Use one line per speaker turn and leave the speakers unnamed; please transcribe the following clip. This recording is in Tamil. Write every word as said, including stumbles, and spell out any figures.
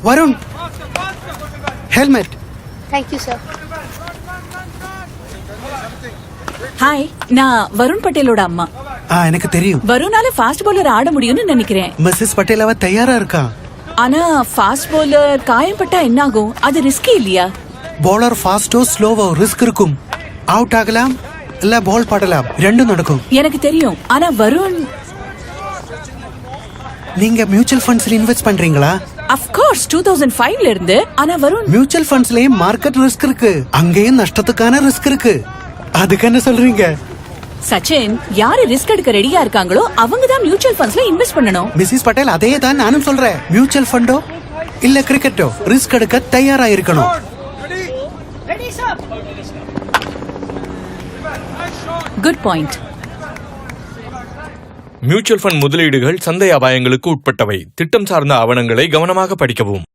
Varun, helmet.
Thank you sir.
Hi, நான் வருண் பட்டேலோட அம்மா.
ஆ, எனக்கு தெரியும்.
வருணால ஃபாஸ்ட் பவுலர் ஆட முடியும்னு நினைக்கிறேன்.
மிஸ்ஸஸ் பட்டேல் அவ தயாரா இருக்கா.
ஆனா ஃபாஸ்ட் பவுலர் காயம்பட்டா என்ன ஆகும்? அது ரிஸ்கி இல்லையா?
பவுலர் ஃபாஸ்டோ ஸ்லோவோ ரிஸ்க் இருக்கும். அவுட் ஆகலாம் இல்ல பால் படலாம், ரெண்டும் நடக்கும்.
எனக்கு தெரியும். ஆனா வருண்,
நீங்க மியூச்சுவல் ஃபண்ட்ஸ்ல இன்வெஸ்ட் பண்றீங்களா?
of course two thousand five ல இருந்து. ஆனா வருண்,
மியூச்சுவல் ஃபண்ட்ஸ்லயும் மார்க்கெட் ரிஸ்க் இருக்கு, அங்கேயும் நஷ்டத்துக்கான ரிஸ்க் இருக்கு. அதுக்கு என்ன சொல்றீங்க?
சச்சின், யாரு ரிஸ்க் எடுக்க ரெடியா இருக்காங்களோ அவங்க தான் மியூச்சுவல் ஃபண்ட்ஸ்ல இன்வெஸ்ட் பண்ணணும்.
மிஸ்ஸஸ் பட்டேல், அதே தான் நானும் சொல்றேன். மியூச்சுவல் ஃபண்டோ இல்ல கிரிக்கெட்டோ ரிஸ்க் எடுக்க தயாரா இருக்கணும்.
Good point.
மியூச்சுவல் ஃபண்ட் முதலீடுகள் சந்தை அபாயங்களுக்கு உட்பட்டவை. திட்டம் சார்ந்த ஆவணங்களை கவனமாக படிக்கவும்.